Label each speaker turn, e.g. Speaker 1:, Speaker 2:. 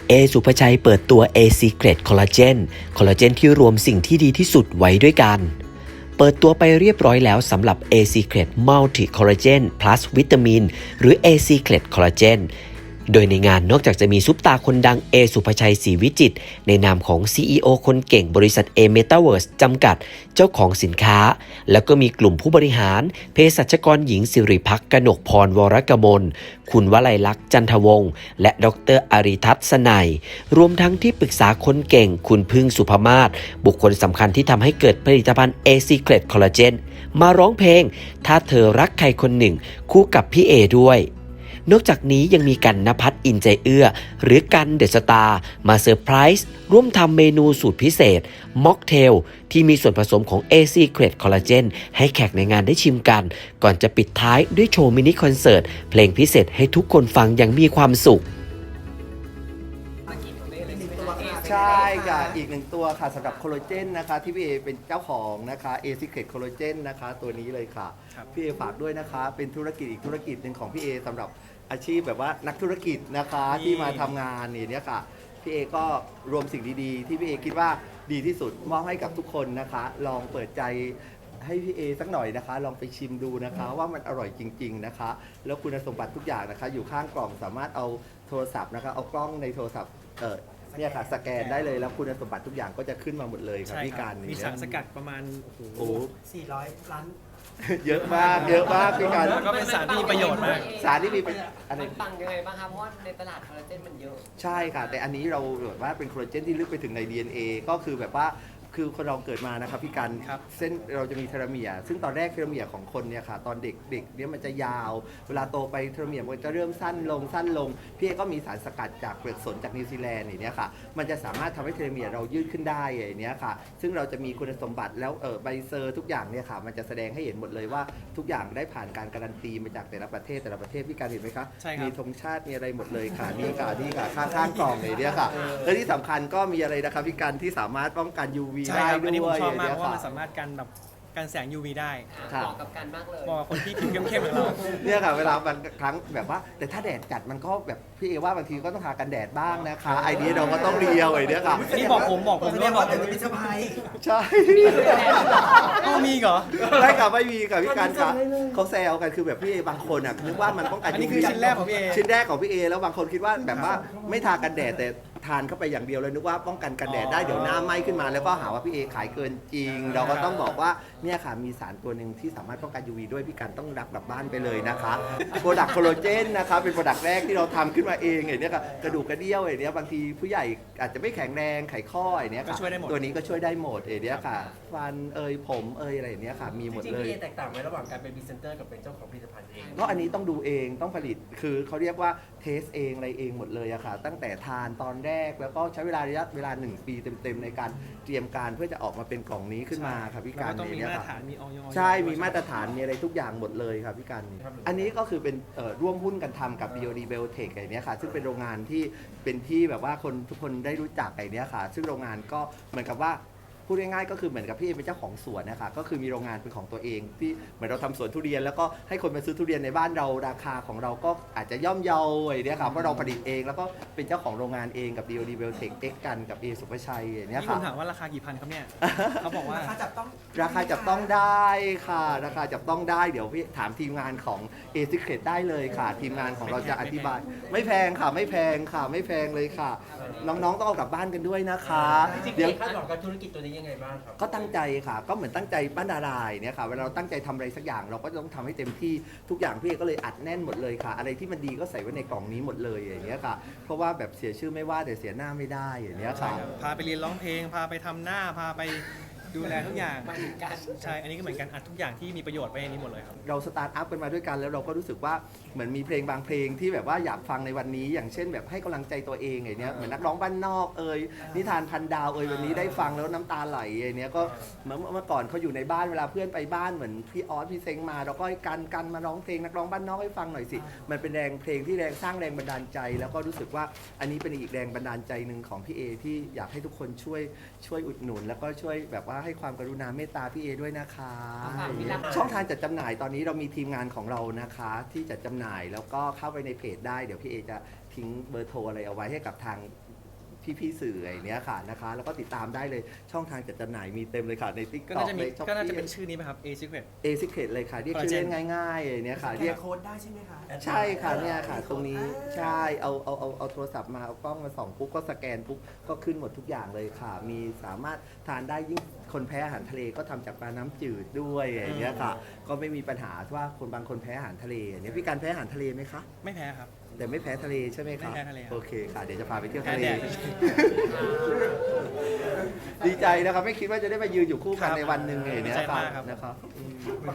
Speaker 1: เอสุภชัยเปิดตัว A Secret Collagen คอลลาเจนที่รวมสิ่งที่ดีที่สุดไว้ด้วยกันเปิดตัวไปเรียบร้อยแล้วสำหรับ A Secret Multi Collagen Plus วิตามินหรือ A Secret Collagen โดยในงานนอกจากจะมีซุปตาคนดังเอสุภชัยศรีวิจิตรในนามของ CEO คนเก่งบริษัท A Metaverse จำกัดเจ้าของสินค้าแล้วก็มีกลุ่มผู้บริหารเภสัชกรหญิงสิริพักษ์กนกพรวรกมลคุณวลัยลักษณ์จันทวงศ์และดรอริทัศน์สนัยรวมทั้งที่ปรึกษาคนเก่งคุณพึ่งสุภมาศบุคคลสำคัญที่ทำให้เกิดผลิตภัณฑ์ A Secret Collagen มาร้องเพลงถ้าเธอรักใครคนหนึ่งคู่กับพี่เอด้วยนอกจากนี้ยังมีกันณภัทรอินใจเอื้อหรือกันเดอะสตาร์มาเซอร์ไพรส์ร่วมทำเมนูสูตรพิเศษม็อกเทลที่มีส่วนผสมของ A Secret Collagen ให้แขกในงานได้ชิมกันก่อนจะปิดท้ายด้วยโชว์มินิคอนเสิร์ตเพลงพิเศษให้ทุกคนฟังอย่างมีความสุข
Speaker 2: ใช่ค่ะอีกหนึ่งตัวค่ะสำหรับโคลลาเจนนะคะที่พี่เอเป็นเจ้าของนะคะ A Secret Collagen นะคะตัวนี้เลยค่ะพี่เอฝากด้วยนะคะเป็นธุรกิจอีกธุรกิจหนึ่งของพี่เอสำหรับอาชีพแบบว่านักธุรกิจนะคะที่มาทำงานเนี่ยค่ะพี่เอก็รวมสิ่งดีๆที่พี่เอคิดว่าดีที่สุดมอบให้กับทุกคนนะคะลองเปิดใจให้พี่เอสักหน่อยนะคะลองไปชิมดูนะคะว่ามันอร่อยจริงๆนะคะแล้วคุณสมบัติทุกอย่างนะคะอยู่ข้างกล่องสามารถเอาโทรศัพท์นะคะเอากล้องในโทรศัพท์เนี่ยค่ะสแกนได้เลยแล้วคุณสมบัติทุกอย่างก็จะขึ้นมาหมดเลยครับพี่การ
Speaker 3: มีสารสกัดประมาณ
Speaker 2: โอ้
Speaker 4: 400 ล้าน
Speaker 2: เยอะมากเยอะมากพี่การ
Speaker 3: ก็เป็นสารที่มีประโยชน์มาก
Speaker 2: สารที่มีอะไร
Speaker 5: มันปังยังไงบ้างคะเพราะว่าในตลาดคอลลาเจนมันเยอะ
Speaker 2: ใช่ค่ะแต่อันนี้เราแบบว่าเป็นโคลลาเจนที่ลึกไปถึงใน DNA ก็คือแบบว่าคือคนเราเกิดมานะครับพี่การเส้นเราจะมีเทโลเมียร์ซึ่งตอนแรกเทโลเมียร์ของคนเนี่ยค่ะตอนเด็กเนี่ยมันจะยาวเวลาโตไปเทโลเมียร์มันจะเริ่มสั้นลงพี่เอก็มีสารสกัดจากเปลือกสนจากนิวซีแลนด์อย่างเนี้ยค่ะมันจะสามารถทำให้เทโลเมียร์เรายืดขึ้นได้อย่างเนี้ยค่ะซึ่งเราจะมีคุณสมบัติแล้วใบเซอร์ทุกอย่างเนี่ยค่ะมันจะแสดงให้เห็นหมดเลยว่าทุกอย่างได้ผ่านการการันตีมาจากแต่ละประเทศพี่การเห็นไหมคะมีธงชาติมีอะไรหมดเลยค่ะนี่ค่ะข้างกล่องเลยเนี่ยค่ะและที่สำคัญก็มีอะไรนะครับพี่การที่สามารถป้องกัน UV ได้ด้วย
Speaker 3: ชอบมากเพราะว่ามันสามารถกันแสง UV ได้
Speaker 5: เหมาะกับกันมากเลย
Speaker 3: เหมาะกับคนที่ผิวเข้มๆอย่างเรา
Speaker 2: เนี่ยค่ะเวลาบางครั้งแบบว่าแต่ถ้าแดดจัดมันก็แบบพี่เอว่าบางทีก็ต้องทากันแดดบ้างนะคะไอเดียเราก็ต้องเรียวไอเดียค่ะ
Speaker 3: นี่บอกผม
Speaker 4: เนี่ยบอกแต่จะเป็นสบาย
Speaker 2: ใช่
Speaker 3: ก็มีเหรอ
Speaker 2: ได้ค่ะไม่มีค่ะพี่การค่ะเขาแซวกันคือแบบพี่เอบางคนอ่ะนึกว่ามันป้องกัน
Speaker 3: อันนี้คือชิ้นแรกของพี่เอ
Speaker 2: แล้วบางคนคิดว่าแบบว่าไม่ทากันแดดแต่ทานเข้าไปอย่างเดียวเลยนึกว่าป้องกันกันแดดได้เดี๋ยวหน้าไหม้ขึ้นมาแล้วก็หาว่าพี่เอขายเกินจริงเราก็ต้องบอกว่าเนี่ยค่ะมีสารตัวหนึ่งที่สามารถป้องกัน UV ด้วยพี่การต้องรับกลับบ้านไปเลยนะคะโปรดักต์โคลลาเจนนะคะเป็นโปรดักต์แรกที่เราทำขึ้นมาเองไอ้นี่ค่ะกระดูกกระเดี่ยวไอ้นี่บางทีผู้ใหญ่อาจจะไม่แข็งแรงไขข้อไอ้นี่ค่ะตัวนี้ก็ช่วยได้หมดไอ้นี่ค่ะฟันผมอะไรอย่างเงี้ยค่ะมีหมดเลย
Speaker 4: จริงๆพี่เอแตกต่างไหมระหว่างการเป็นพรีเซนเตอร์กับเป็นเจ้าของผลิตภัณฑ์เอง
Speaker 2: ก็อันนี้ต้องดูเองต้องผลิตคือเขาเรียกว่าเทสเองอะไรเองหมดเลยอะค่ะตั้งแต่ทานตอนแรกแล้วก็ใช้ระยะเวลา1 ปีเต็มๆในการเตรียมการเพื่อจะออกมาเป็นกล่องนี้ขึ้นมาครับพี่การ
Speaker 3: เนี่ยค่ะ
Speaker 2: ใช่มีมาตรฐานมีอะไรทุกอย่างหมดเลยครับพี่การอันนี้ก็คือเป็นร่วมหุ้นกันทำกับ BOD Biotech ไอ้นี้ค่ะซึ่งเป็นโรงงานที่เป็นที่แบบว่าคนทุกคนได้รู้จักไอ้นี้ค่ะซึ่งโรงงานก็เหมือนกับว่าพูดง่ายๆก็คือเหมือนกับพี่เป็นเจ้าของสวนนะคะก็คือมีโรงงานเป็นของตัวเองที่เหมือนเราทำสวนทุเรียนแล้วก็ให้คนมาซื้อทุเรียนในบ้านเราราคาของเราก็อาจจะย่อมเยาไอ้นี่ค่ะเพราะเราผลิตเองแล้วก็เป็นเจ้าของโรงงานเองกับ DOD Biotech X กันกับ A สุภชัยอย่างนี้ค่ะ
Speaker 3: นี่ผมถามว่าราคากี่พันครับเนี่ยเขาบอกว่า
Speaker 2: ราคาจับต้องได้ค่ะราคาจับต้องได้เดี๋ยวพี่ถามทีมงานของ A Secret ได้เลยค่ะทีมงานของเราจะอธิบายไม่แพงค่ะไม่แพงเลยค่ะน้องๆต้องเอากลับบ้านกันด้วยนะคะ
Speaker 4: เดี๋ยวคาดหวังกับธุรกิจตัวนี้ยังไงบ้างครับ
Speaker 2: ก็ตั้งใจค่ะก็เหมือนตั้งใจปั้นดาราเนี่ยค่ะเวลาเราตั้งใจทำอะไรสักอย่างเราก็ต้องทำให้เต็มที่ทุกอย่างพี่ก็เลยอัดแน่นหมดเลยค่ะอะไรที่มันดีก็ใส่ไว้ในกล่องนี้หมดเลยอย่างเงี้ยค่ะเพราะว่าแบบเสียชื่อไม่ว่าแต่เสียหน้าไม่ได้อย่างเงี้ยค่ะ
Speaker 3: พาไปเรียนร้องเพลงพาไปทำหน้าพาไปดูแลทุกอย่างใช่อันนี้ก็เหมือนกันอัดทุกอย่างที่มีประโยชน์ไปในนี้หมดเลยครับ
Speaker 2: เราสตาร์ทอัพกันมาด้วยกันแล้วเราก็รู้สึกว่าเหมือนมีเพลงบางเพลงที่แบบว่าอยากฟังในวันนี้อย่างเช่นแบบให้กำลังใจตัวเองไงเนี้ยเหมือนนักร้องบ้านนอกนิทานพันดาววันนี้ได้ฟังแล้วน้ำตาไหลไอ้เนี้ยก็เมื่อก่อนเขาอยู่ในบ้านเวลาเพื่อนไปบ้านเหมือนพี่ออสพี่เซ็งมาเราก็กันมาร้องเพลงนักร้องบ้านนอกให้ฟังหน่อยสิมันเป็นแรงเพลงที่สร้างแรงบันดาลใจแล้วก็รู้สึกว่าอันนี้เป็นอีกแรงบันดาลใจหนึ่งของพี่เอที่อยากให้ทุกคนช่วยอุดหนุนแล้วก็ช่วยแบบว่าให้ความกรุณาเมตตาพี่เอด้วยนะคะช่องทางจัดจำหน่ายตอนนี้เรามีทีมงานของเรานะคะที่จัดจำหน่ายแล้วก็เข้าไปในเพจได้เดี๋ยวพี่เอจะทิ้งเบอร์โทรอะไรเอาไว้ให้กับทางพี่ๆสื่ออย่างเนี้ยค่ะนะคะแล้วก็ติดตามได้เลยช่องทางจัดจำหน่ายมีเต็มเลยค่ะใน
Speaker 3: ก็
Speaker 2: TikTok
Speaker 3: น่าจะมี
Speaker 2: ใน Shopee
Speaker 3: ก็น่าจะเป็นชื่อนี้ไหมครับ A Secret
Speaker 2: เอซิเคตเลยค่ะเรียกชื่อเล่นง่ายๆอย่างเนี้ยค่ะ
Speaker 4: เรี
Speaker 2: เรี
Speaker 4: ย
Speaker 2: ย
Speaker 4: ก
Speaker 2: ก
Speaker 4: โค้ดได้ใช่ไหมคะ
Speaker 2: ใช่ค่ะเนี่ยค่ะตรงนี้ใช่เอาโทรศัพท์มาเอากล้องมาส่องปุ๊บก็สแกนปุ๊บก็ขึ้นหมดทุกอย่างเลยค่ะ มีสามารถทานได้ยิ่งคนแพ้อาหารทะเลก็ทำจากปลาน้ำจืดด้วยอย่างเงี้ยค่ะ ก็ไม่มีปัญหาว่าคนบางคนแพ้อาหารทะเลอย่างเนี้ยพี่การแพ้อาหารทะเลไหมคะ
Speaker 3: ไม่แพ้ครับ
Speaker 2: แต่ไม่แพ้ทะเลใช่ไหมคะ
Speaker 3: ไม่แพ้ทะเลครับ
Speaker 2: โอเคค่ะเดี๋ยวจะพาไปเที่ยว
Speaker 3: แพ้
Speaker 2: ทะเล
Speaker 3: แดด
Speaker 2: ดีใจนะครับไม่คิดว่าจะได้มายืนอยู่คู่กันในวันหนึ่งอย่างเนี้ย
Speaker 3: ดีใจ
Speaker 2: ค่ะ
Speaker 3: มากครับ
Speaker 2: นะครับ